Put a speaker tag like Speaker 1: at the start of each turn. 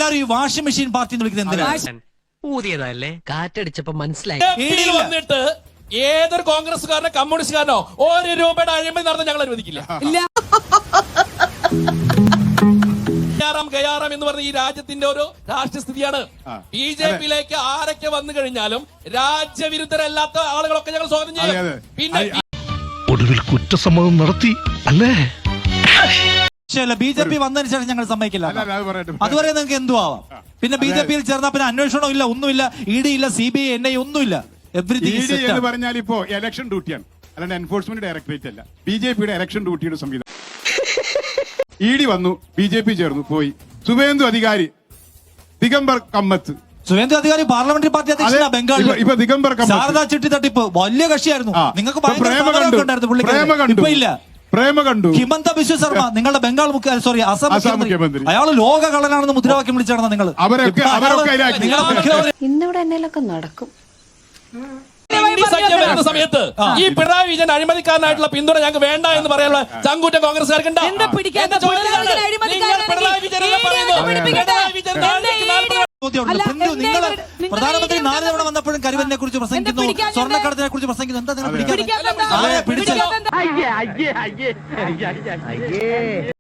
Speaker 1: എല്ലാരും ഈ washing machine party എന്ന് വിളിക്കുന്നത് എന്തിനാണ്?
Speaker 2: ഊതിയതല്ലേ, കാറ്റടിച്ചപ്പോ മനസ്സിലായി.
Speaker 3: വന്നിട്ട് ഏതൊരു കോൺഗ്രസ്സുകാരനോ കമ്മ്യൂണിസ്റ്റുകാരനോ ഒരു രൂപയുടെ അഴിമതി നടന്ന് ഞങ്ങൾ അനുവദിക്കില്ല. ഗയാറാം എന്ന് പറഞ്ഞ ഈ രാജ്യത്തിന്റെ ഒരു രാഷ്ട്രസ്ഥിതിയാണ്. ബിജെപിയിലേക്ക് ആരൊക്കെ വന്നു കഴിഞ്ഞാലും രാജ്യവിരുദ്ധരല്ലാത്ത ആളുകളൊക്കെ ഞങ്ങൾ സ്വാഗതം ചെയ്യും. പിന്നെ
Speaker 4: ഒടുവിൽ കുറ്റസമ്മതം നടത്തി അല്ലേ?
Speaker 1: ബിജെപി വന്നതിന് ശേഷം ഞങ്ങൾ സമ്മതിക്കില്ല. അതുവരെ നിങ്ങൾക്ക് എന്തു ആവാം. പിന്നെ ബിജെപിയിൽ ചേർന്നാൽ പിന്നെ അന്വേഷണം ഇല്ല, ഒന്നുമില്ല. ഇഡി ഇല്ല, CBI, NIA ഒന്നുമില്ല.
Speaker 5: എവരിതിങ് എന്ന് പറഞ്ഞാൽ ഇപ്പോ ഇലക്ഷൻ ഡ്യൂട്ടിയാണ്, അല്ലാണ്ട് എൻഫോഴ്സ്മെന്റ് ഡയറക്ടറേറ്റ് അല്ല. ബിജെപിയുടെ ഇലക്ഷൻ ഡ്യൂട്ടിയുടെ സംവിധാനം. ഇഡി വന്നു, ബിജെപി ചേർന്നു, പോയി. സുവേന്ദു അധികാരി, ദിഗംബർ കമ്മത്ത്.
Speaker 1: സുവേന്ദു അധികാരി പാർലമെന്ററി പാർട്ടി അധ്യക്ഷനാ ബംഗാളിൽ.
Speaker 5: ഇപ്പൊ ദിഗംബർ കമ്മത്ത്
Speaker 1: ശാരദാ ചിട്ടി തട്ടിപ്പ് വലിയ കക്ഷിയായിരുന്നു. നിങ്ങൾക്ക്
Speaker 5: പ്രേമ കണ്ടു.
Speaker 1: ഹിമന്ത ബിശ്വ ശർമ്മ നിങ്ങളുടെ ബംഗാൾ അസം മുഖ്യമന്ത്രി. അയാൾ ലോക കള്ളനാണെന്ന് മുദ്രാവാക്യം വിളിച്ചാണ് നിങ്ങൾ.
Speaker 6: ഇന്നിവിടെ എന്നേലൊക്കെ നടക്കും.
Speaker 3: വരുന്ന സമയത്ത് ഈ പിണറായി വിജയൻ അഴിമതിക്കാരനായിട്ടുള്ള പിന്തുണ ഞങ്ങൾക്ക് വേണ്ട എന്ന് പറയാനുള്ള ചങ്കൂറ്റ കോൺഗ്രസ്സുകാർക്ക്
Speaker 1: നിങ്ങൾ പ്രധാനമന്ത്രി 4 തവണ വന്നപ്പോഴും കരുവലിനെ കുറിച്ച് പ്രസംഗിക്കുന്നു, സ്വർണ്ണക്കടത്തിനെ കുറിച്ച് പ്രസംഗിക്കുന്നു. എന്താ നിങ്ങൾ പിടിച്ചത്?